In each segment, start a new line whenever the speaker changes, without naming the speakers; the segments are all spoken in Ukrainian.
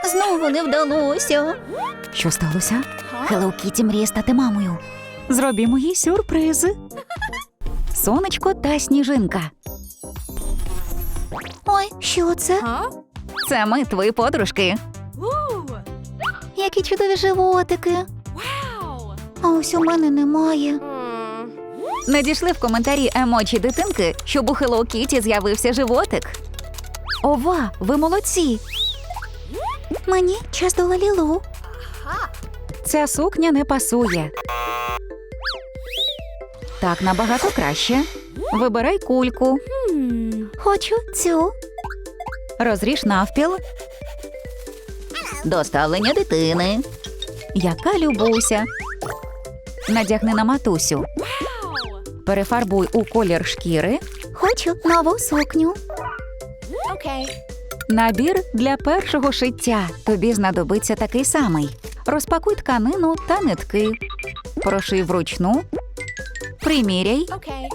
Знову не вдалося.
Що сталося? Хеллоу Кіті мріє стати мамою. Зробімо їй сюрприз. Сонечко та сніжинка.
Ой, що це?
Це ми, твої подружки.
Які чудові животики. А ось у мене немає.
Надійшли в коментарі емоджі дитинки, щоб у Хеллоу Кіті з'явився животик. Ова, ви молодці!
Мені час до Лалілу.
Ця сукня не пасує. Так набагато краще. Вибирай кульку.
Хочу цю.
Розріж навпіл. Доставлення дитини. Яка любуся. Надягни на матусю. Перефарбуй у колір шкіри.
Хочу нову сукню.
Набір для першого шиття. Тобі знадобиться такий самий. Розпакуй тканину та нитки. Проший вручну. Приміряй.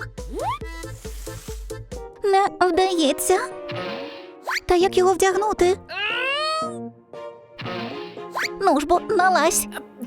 Не вдається. Та як його вдягнути? Ну ж бо, налазь.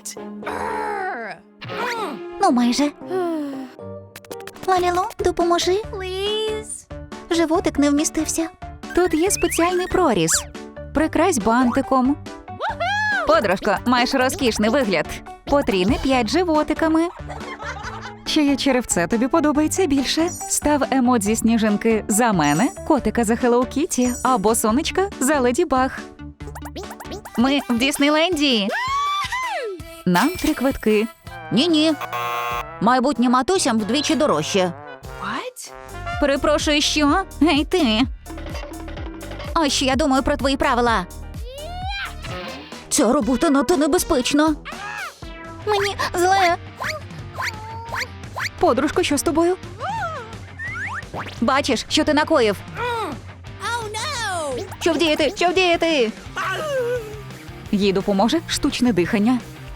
Ну, майже. Лалілу, допоможи. Животик не вмістився.
Тут є спеціальний проріз. Прикрась бантиком. Подружко, маєш розкішний вигляд. Потрійни 5 животиками. Чиє черевце тобі подобається більше? Став емодзі сніжинки за мене, котика за Хеллоу Кіті або сонечка за Леді Баг. Ми в Діснейленді. Нам 3 квитки.
Ні-ні. Майбутнім матусям вдвічі дорожче.
Перепрошую, що? Гей, ти.
Ось що я думаю про твої правила. Ця робота надто небезпечна. Мені зле.
Подружко, що з тобою? Бачиш, що ти накоїв? Що вдіяти? Що вдіяти? Їй допоможе штучне дихання.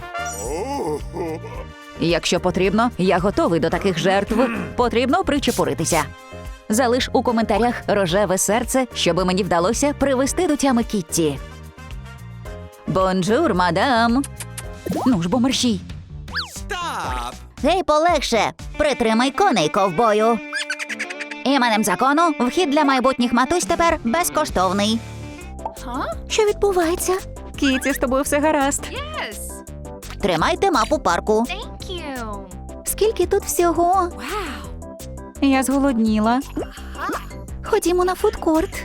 Якщо потрібно, я готовий до таких жертв. Потрібно причепуритися. Залиш у коментарях рожеве серце, щоби мені вдалося привести до тями Кітті. Бонжур, мадам. Ну ж бо мерщій.
Гей, полегше. Притримай коней, ковбою. Іменем закону вхід для майбутніх матусь тепер безкоштовний. Що відбувається?
Кітті, з тобою все гаразд.
Тримайте мапу парку. Скільки тут всього?
Я зголодніла.
Ходімо на фудкорт.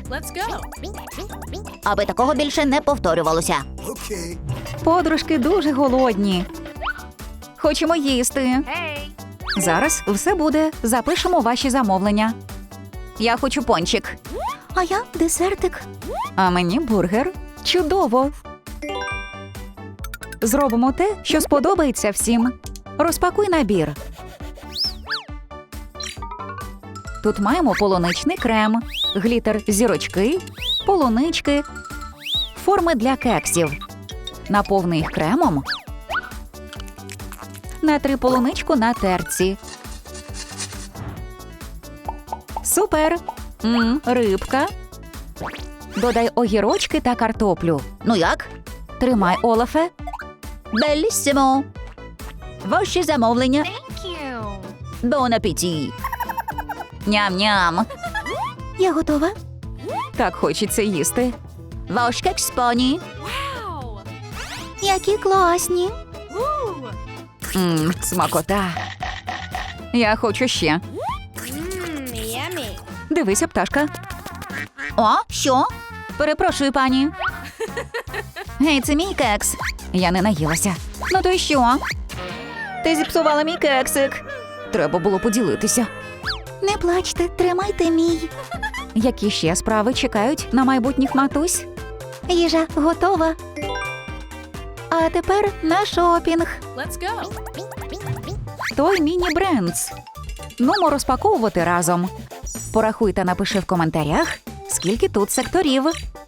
Аби такого більше не повторювалося.
Подружки дуже голодні. Хочемо їсти. Зараз все буде. Запишемо ваші замовлення. Я хочу пончик.
А я десертик.
А мені бургер. Чудово. Зробимо те, що сподобається всім. Розпакуй набір. Тут маємо полуничний крем, глітер зірочки, полунички, форми для кексів. Наповни їх кремом. Натри полуничку на терці. Супер! Рибка. Додай огірочки та картоплю.
Ну як?
Тримай, Олафе.
Беліссимо. Ваші замовлення. Бон апеті.
Ням-ням.
Я готова.
Так хочеться їсти.
Ваш кекс, пані. Які класні.
Смакота. Я хочу ще. Дивися, пташка.
О, що?
Перепрошую, пані. Гей, це мій кекс. Я не наїлася. Ну то й що? Ти зіпсувала мій кексик. Треба було поділитися.
Не плачте, тримайте мій.
Які ще справи чекають на майбутніх матусь?
Їжа готова. А тепер на шопінг.
Той міні-брендс. Нумо розпаковувати разом. Порахуй та напиши в коментарях, скільки тут секторів.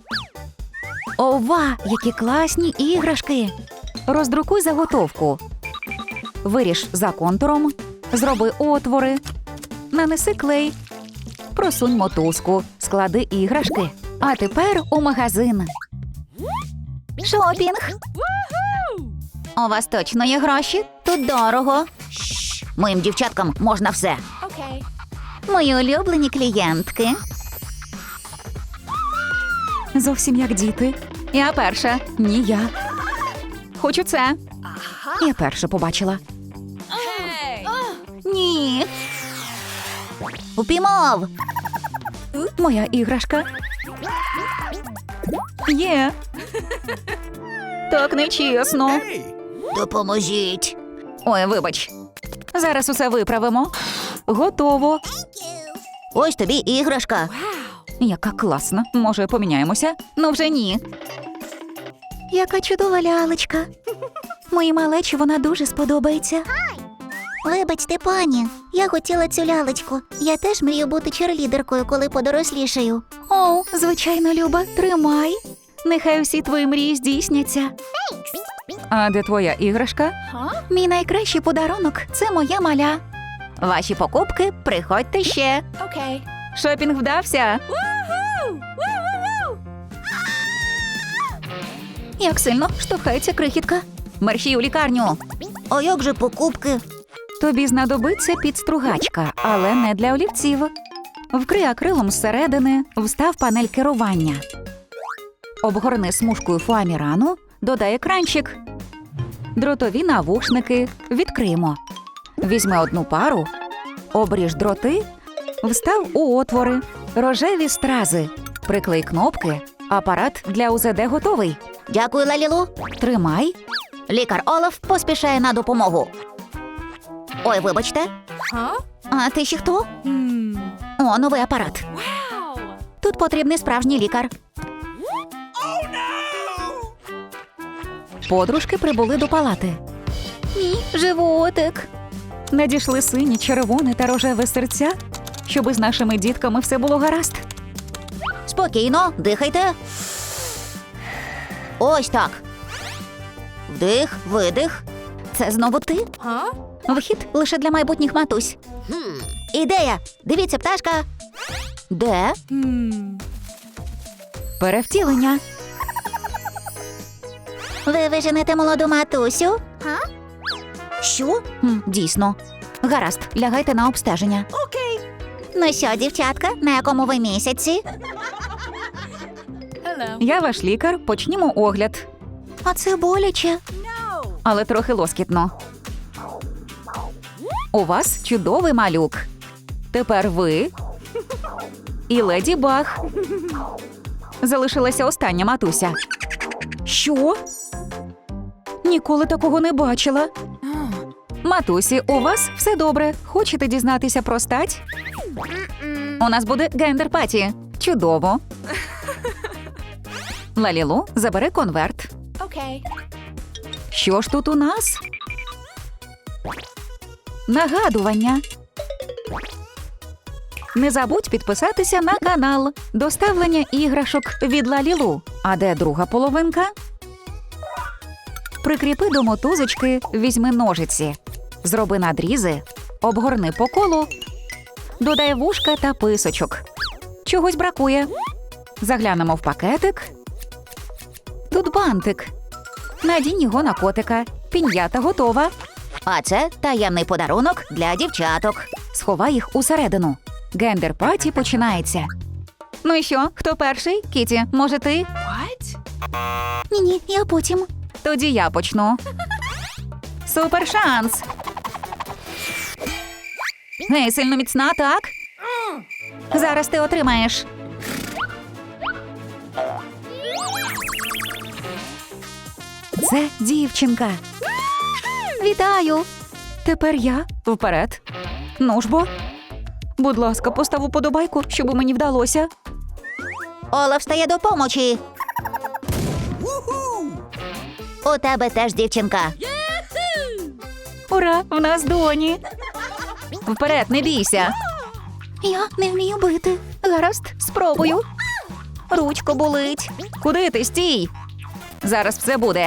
Ова, які класні іграшки! Роздрукуй заготовку. Виріж за контуром, зроби отвори, нанеси клей, просунь мотузку, склади іграшки. А тепер у магазин.
Шопінг. У вас точно є гроші? Тут дорого.
Моїм дівчаткам можна все.
Мої улюблені клієнтки.
Зовсім як діти. Я перша. Ні, я. Хочу це. Я перша побачила.
Ні. Упіймав.
Моя іграшка. Є. Так нечесно.
Допоможіть.
Ой, вибач. Зараз усе виправимо. Готово.
Ось тобі іграшка.
Яка класна. Може, поміняємося? Ну вже ні.
Яка чудова лялечка. Моїй малечі вона дуже сподобається. Вибачте, пані, я хотіла цю лялечку. Я теж мрію бути черлідеркою, коли подорослішаю.
О, звичайно, Люба, тримай. Нехай всі твої мрії здійсняться. А де твоя іграшка?
Мій найкращий подарунок – це моя маля.
Ваші покупки, приходьте ще. Шопінг вдався.
Як сильно штовхається крихітка.
Мерщій у лікарню.
А як же покупки?
Тобі знадобиться підстругачка, але не для олівців. Вкрий акрилом зсередини, встав панель керування. Обгорни смужкою фоамірану, додай екранчик. Дротові навушники відкриємо. Візьми одну пару, обріж дроти, встав у отвори, рожеві стрази. Приклей кнопки, апарат для УЗД готовий.
Дякую, Лалілу.
Тримай.
Лікар Олаф поспішає на допомогу. Ой, вибачте.
А ти ще хто? О, новий апарат. Тут потрібний справжній лікар.
Подружки прибули до палати.
Ні, животик.
Надійшли сині, червоне та рожеве серця, щоби з нашими дітками все було гаразд.
Спокійно, дихайте. Ось так. Вдих, видих.
Це знову ти? Вхід лише для майбутніх матусь.
Ідея. Дивіться, пташка. Де?
Перевтілення.
Ви виженете молоду матусю?
Що?
Дійсно.
Гаразд, лягайте на обстеження. Ну що, дівчатка, на якому ви місяці?
Я ваш лікар, почнімо огляд.
А це боляче.
Але трохи лоскітно. У вас чудовий малюк. Тепер ви і леді Баг. Залишилася остання матуся. Що? Ніколи такого не бачила. Матусі, у вас все добре. Хочете дізнатися про стать? У нас буде гендер-паті. Чудово. Лалілу, забери конверт. Що ж тут у нас? Нагадування. Не забудь підписатися на канал. Доставлення іграшок від Лалілу. А де друга половинка? Прикріпи до мотузочки, візьми ножиці. Зроби надрізи, обгорни по колу. Додай вушка та писочок. Чогось бракує. Заглянемо в пакетик. Тут бантик. Надінь його на котика. Пін'ята готова.
А це таємний подарунок для дівчаток.
Сховай їх усередину. Гендер-паті починається. Ну і що, хто перший? Кіті, може ти?
Ні, я потім.
Тоді я почну. Супер шанс! Гей, сильно міцна, так? Зараз ти отримаєш. Це дівчинка.
Вітаю.
Тепер я. Вперед. Ну ж бо. Будь ласка, постав уподобайку, щоб мені вдалося.
Олаф стає до помочі. У тебе теж дівчинка.
Ура, в нас доні. Вперед, не бійся.
Я не вмію бити. Гаразд, спробую. Ручка болить.
Куди ти, стій? Зараз все буде.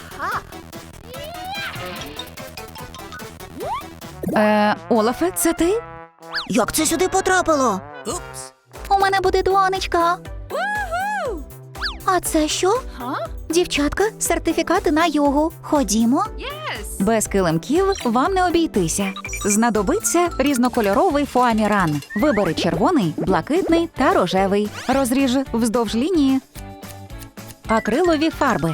Олафе, це ти?
Як це сюди потрапило?
У мене буде донечка. А це що? Дівчатка, сертифікати на йогу. Ходімо.
Без килимків вам не обійтися. Знадобиться різнокольоровий фоаміран. Вибери червоний, блакитний та рожевий. Розріж вздовж лінії. Акрилові фарби.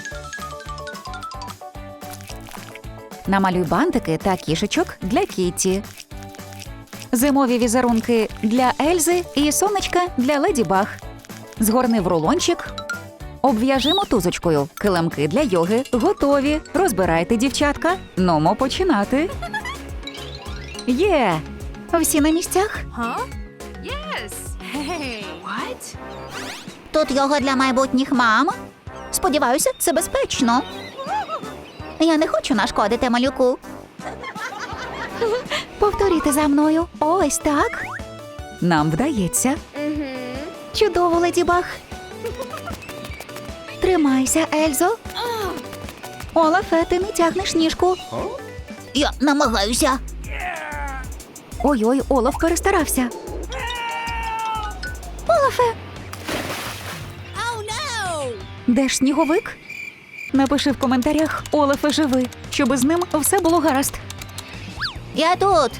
Намалюй бантики та кішечок для Кітті. Зимові візерунки для Ельзи і сонечка для Леді Баг. Згорни в рулончик. Обв'яжи мотузочкою. Килимки для йоги готові. Розбирайте, дівчатка. Нумо починати. Є!
Всі на місцях? Тут йога для майбутніх мам. Сподіваюся, це безпечно. Я не хочу нашкодити малюку. Повторюйте за мною. Ось так.
Нам вдається.
Чудово, Леді Баг. Тримайся, Ельзо. Олафе, ти не тягнеш ніжку. Я намагаюся. Ой-ой, Олаф перестарався. Олафе!
Де ж сніговик? Напиши в коментарях Олафе живи, щоб з ним все було гаразд.
Я тут.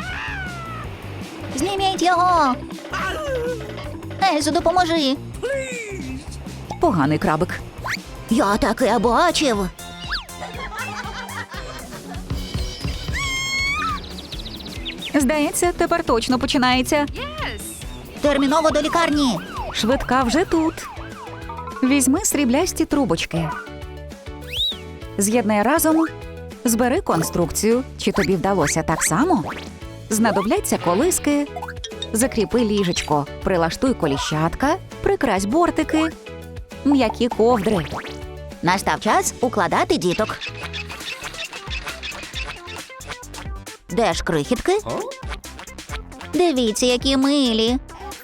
Зніміть його. Ельзо, допоможи.
Поганий крабик.
Я таке бачив.
Здається, тепер точно починається.
Терміново до лікарні.
Швидка вже тут. Візьми сріблясті трубочки. З'єднай разом. Збери конструкцію. Чи тобі вдалося так само? Знадобляться колиски. Закріпи ліжечко. Прилаштуй коліщатка. Прикрась бортики. М'які ковдри.
Настав час укладати діток. Де ж крихітки? Дивіться, які милі.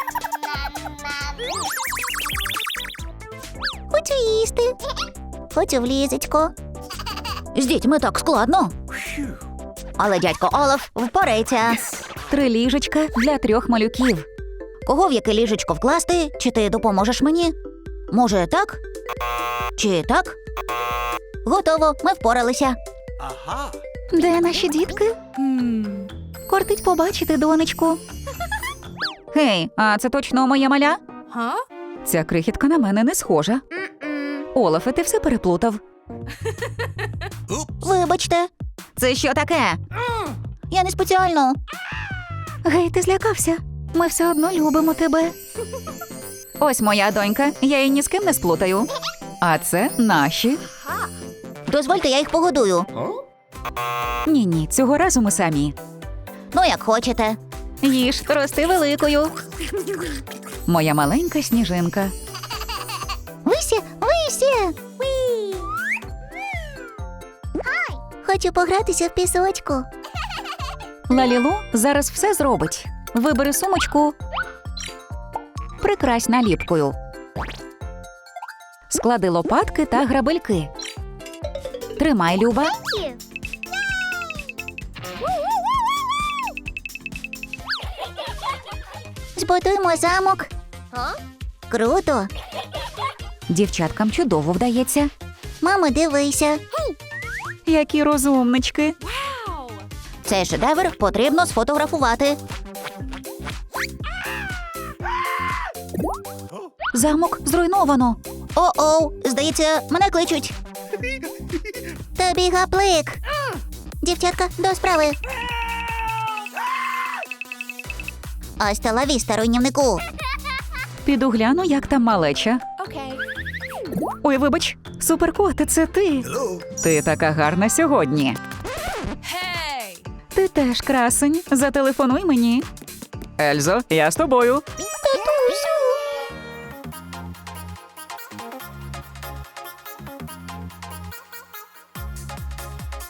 Хочу їсти. Хочу в ліжечко. З дітьми так складно. Але дядько Олаф впорається.
3 ліжечка для 3 малюків.
Кого в яке ліжечко вкласти? Чи ти допоможеш мені? Може, так? Чи так? Готово, ми впоралися. Де наші дітки? Кортить побачити донечку.
Гей, а це точно моя маля? Ця крихітка на мене не схожа. Олафе, ти все переплутав.
Вибачте.
Це що таке?
Я не спеціально. Гей, ти злякався? Ми все одно любимо тебе.
Ось моя донька, я її ні з ким не сплутаю. А це наші.
Дозвольте, я їх погодую.
Ні, цього разу ми самі.
Ну, як хочете.
Їж, рости великою. Моя маленька сніжинка.
Висі, висі! Хочу погратися в пісочку.
Лалілу зараз все зробить. Вибери сумочку. Прикрась наліпкою. Склади лопатки та грабельки. Тримай, Люба.
Збудуємо замок. Круто.
Дівчаткам чудово вдається.
Мамо, дивися.
Які розумнички.
Цей шедевр потрібно сфотографувати.
Замок зруйновано.
О-оу, здається, мене кличуть. Тобі гаплик. Дівчатка, до справи. Ась ла віста, руйнівнику.
Піду гляну, як там малеча. Ой, вибач, суперкот, це ти. Ти така гарна сьогодні. Ти теж красень. Зателефонуй мені. Ельзо, я з тобою.